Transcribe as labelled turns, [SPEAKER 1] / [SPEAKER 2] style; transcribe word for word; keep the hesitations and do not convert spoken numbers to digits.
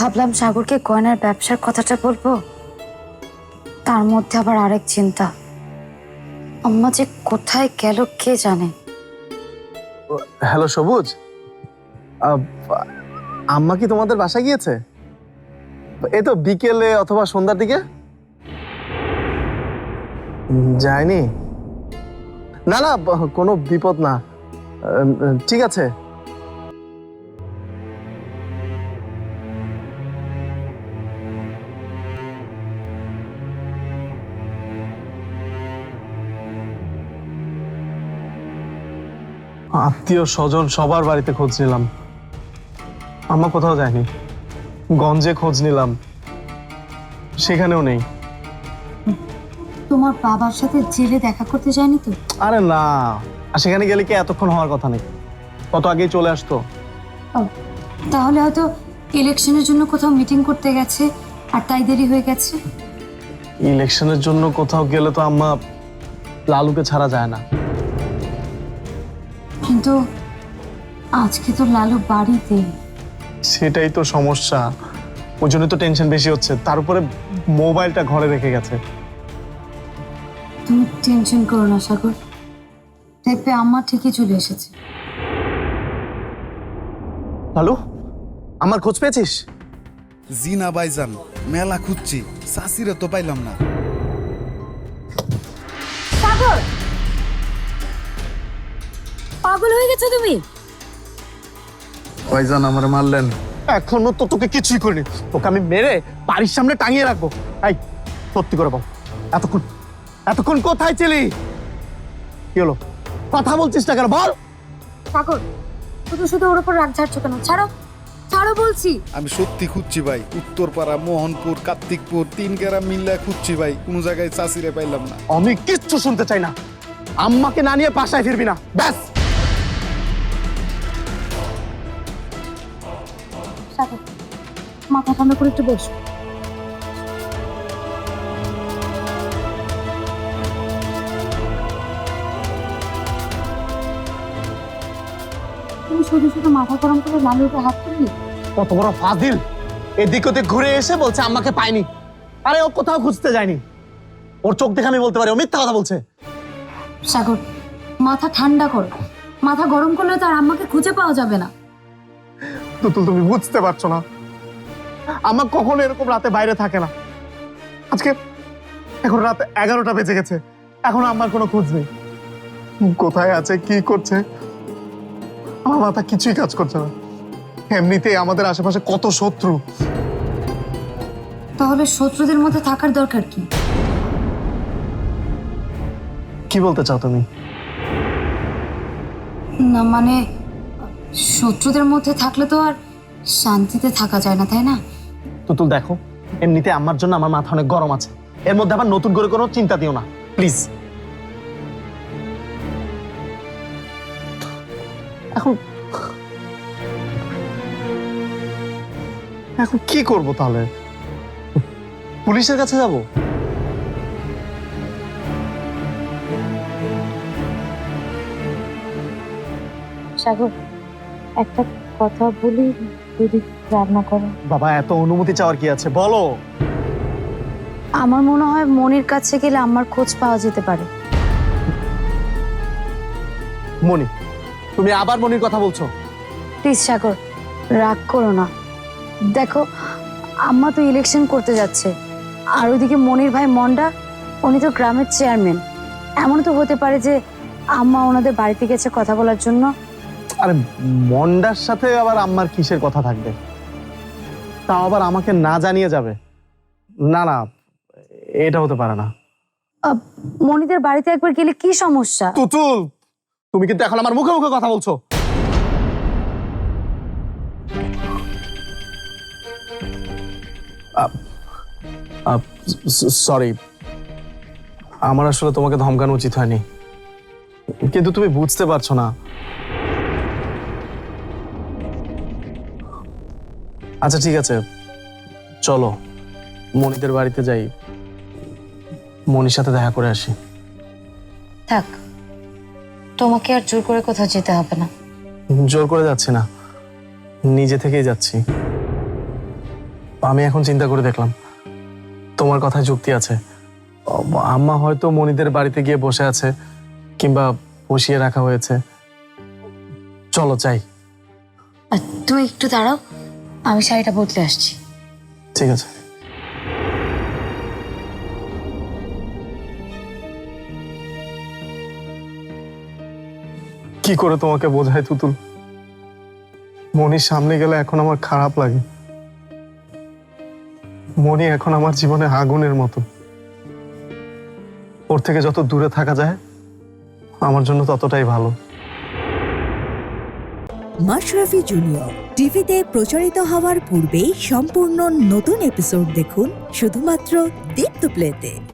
[SPEAKER 1] ভাবলাম সাগরকে গয়নার ব্যবসার কথাটা বলবো, তার মধ্যে আবার আরেক চিন্তা, আম্মা যে কোথায় গেল কে জানে।
[SPEAKER 2] হ্যালো সবুজ, আহ, আম্মা কি তোমাদের বাসায় গিয়েছে? এই তো বিকেলে অথবা সন্ধ্যার দিকে। যায়নি? না না, কোনো বিপদ না, ঠিক আছে। আত্মীয় স্বজন সবার বাড়িতে খোঁজ নিলাম, আম্মা কোথাও যায়নি। গঞ্জে খোঁজ নিলাম, সেখানেও নেই।
[SPEAKER 1] তোমার বাবার সাথে জেলে দেখা করতে যায়নি তো?
[SPEAKER 2] আরে না, আর সেখানে গেলে কি এতক্ষণ হওয়ার কথা নেই, কত আগেই চলে আসতো।
[SPEAKER 1] তাহলে হয়তো ইলেকশনের জন্য কোথাও মিটিং করতে গেছে আর তাই দেরি হয়ে গেছে।
[SPEAKER 2] ইলেকশনের জন্য কোথাও গেলে তো আম্মা লালুকে ছাড়া যায় না।
[SPEAKER 1] কিন্তু আজকে তো লালু বাড়িতে।
[SPEAKER 2] সেটাই তো সমস্যা, ওই জন্য তো টেনশন বেশি হচ্ছে। তার উপরে মোবাইলটা ঘরে রেখে গেছে।
[SPEAKER 1] তুমি টেনশন করো না সাগর, দেখবে আম্মা ঠিকই চলে এসেছে।
[SPEAKER 2] লালু, আমার খোঁজ পেয়েছিস?
[SPEAKER 3] জি না ভাইজান, মেলা খুঁজছি, চাষিরে তো পাইলাম না।
[SPEAKER 1] সাগর, পাগল হয়ে গেছো তুমি?
[SPEAKER 3] ভাইজান আমার মারলেন।
[SPEAKER 2] এখনো তো তোকে কিছুই করিনি, তোকে আমি মেরে বাড়ির সামনে টাঙিয়ে রাখবো। এই সত্যি করে বল, এতক্ষণ এতক্ষণ কোথায় ছিলি? কি হলো, কথা বলছিস না কেন বল?
[SPEAKER 1] সাগর, শুধু শুধু ওর উপর রাগ ঝাড়ছো কেন? ছাড়ো ছাড়ো বলছি।
[SPEAKER 3] আমি সত্যি খুঁজছি ভাই, উত্তরপাড়া, মোহনপুর, কার্তিকপুর, তিন গ্রাম মিল্লা খুঁজছি ভাই, কোনো জায়গায় চাষিরে পাইলাম না।
[SPEAKER 2] আমি কিচ্ছু শুনতে চাই না, আম্মাকে না নিয়ে বাসায় ফিরবি না, ব্যাস।
[SPEAKER 1] সাগর, মাথা ঠান্ডা করে একটু বসো। তুমি শুধু শুধু মাথা গরম করে লালুর উপর হাত তুললি।
[SPEAKER 2] কত বড় ফাজিল, এদিক ওদিক ঘুরে এসে বলছে আম্মাকে পাইনি। আরে ও কোথাও খুঁজতে যায়নি, ওর চোখ দেখে আমি বলতে পারি ও মিথ্যা কথা বলছে।
[SPEAKER 1] সাগর, মাথা ঠান্ডা করো, মাথা গরম করলে তো আর আম্মাকে খুঁজে পাওয়া যাবে না।
[SPEAKER 2] তুতুল, তুমি বুঝতে পারছো না, আম্মা কখনো এরকম রাতে বাইরে থাকে না। আজকে এখন রাত এগারোটা বেজে গেছে, এখন আম্মার কোনো খোঁজ নেই। কোথায় আছে, কি করছে, আমার মাথা কিছুই কাজ করছে না। এমনিতেই আমাদের আশেপাশে কত শত্রু।
[SPEAKER 1] তাহলে শত্রুদের মধ্যে থাকার দরকার কি?
[SPEAKER 2] কি বলতে চাও তুমি?
[SPEAKER 1] না মানে, শত্রুদের মধ্যে থাকলে তো আর শান্তিতে থাকা যায় না, তাই না?
[SPEAKER 2] তুতুল দেখো, এমনিতে আমার জন্য আমার মাথা অনেক গরম আছে, এর মধ্যে আবার নতুন করে কোনো চিন্তা দিও না প্লিজ। এখন এখন কি করব তাহলে? পুলিশের কাছে যাব?
[SPEAKER 1] সাগর, একটা কথা বলি, যদি রান্না করো।
[SPEAKER 2] বাবা, এত অনুমতি চাওয়ার কি আছে, বলো।
[SPEAKER 1] আমার মনে হয় মনির কাছে গেলে আমার খোঁজ পাওয়া যেতে পারে।
[SPEAKER 2] মনি? তুমি আবার মনির কথা বলছো?
[SPEAKER 1] প্লিজ সাগর, রাগ করো না। দেখো, আম্মা তো ইলেকশন করতে যাচ্ছে, আর ওইদিকে মনির ভাই মন্ডা, উনি তো গ্রামের চেয়ারম্যান। এমন তো হতে পারে যে আম্মা ওনাদের বাড়িতে গেছে কথা বলার জন্য।
[SPEAKER 2] আরে মন্ডার সাথে আবার আম্মার কিসের কথা থাকবে? তাও আবার আমাকে না জানিয়ে যাবে? না না, এটা হতে পারে না।
[SPEAKER 1] আহ, মনিদের বাড়িতে একবার গেলে কি সমস্যা?
[SPEAKER 2] তুতুল, তুমি কিন্তু এখন আমার মুখে মুখে কথা বলছো। সরি, আমার আসলে তোমাকে ধমকানো উচিত হয়নি, কিন্তু তুমি বুঝতে পারছো না। আচ্ছা ঠিক আছে, চলো মনিদের বাড়িতে যাই, মনির সাথে দেখা করে আসি।
[SPEAKER 1] থাক, তোমাকে আর জোর করে কোথাও যেতে হবে না।
[SPEAKER 2] জোর করে যাচ্ছি না, নিজে থেকেই যাচ্ছি। আমি এখন চিন্তা করে দেখলাম তোমার কথায় যুক্তি আছে। ও, আম্মা হয়তো মনিদের বাড়িতে গিয়ে বসে আছে, কিংবা বসিয়ে রাখা হয়েছে। চলো যাই।
[SPEAKER 1] আর তুই একটু দাঁড়াও, আমি শাড়িটা বদলে আসছি।
[SPEAKER 2] ঠিক আছে। কি করে তোমাকে বোঝাই তুতুল, মনির সামনে গেলে এখন আমার খারাপ লাগে। মনি এখন আমার জীবনে আগুনের মতো, ওর থেকে যত দূরে থাকা যায় আমার জন্য ততটাই ভালো।
[SPEAKER 4] মাশরাফি জুনিয়র টিভিতে প্রচারিত হওয়ার পূর্বেই সম্পূর্ণ নতুন এপিসোড দেখুন শুধুমাত্র দীপ্ত প্লেতে।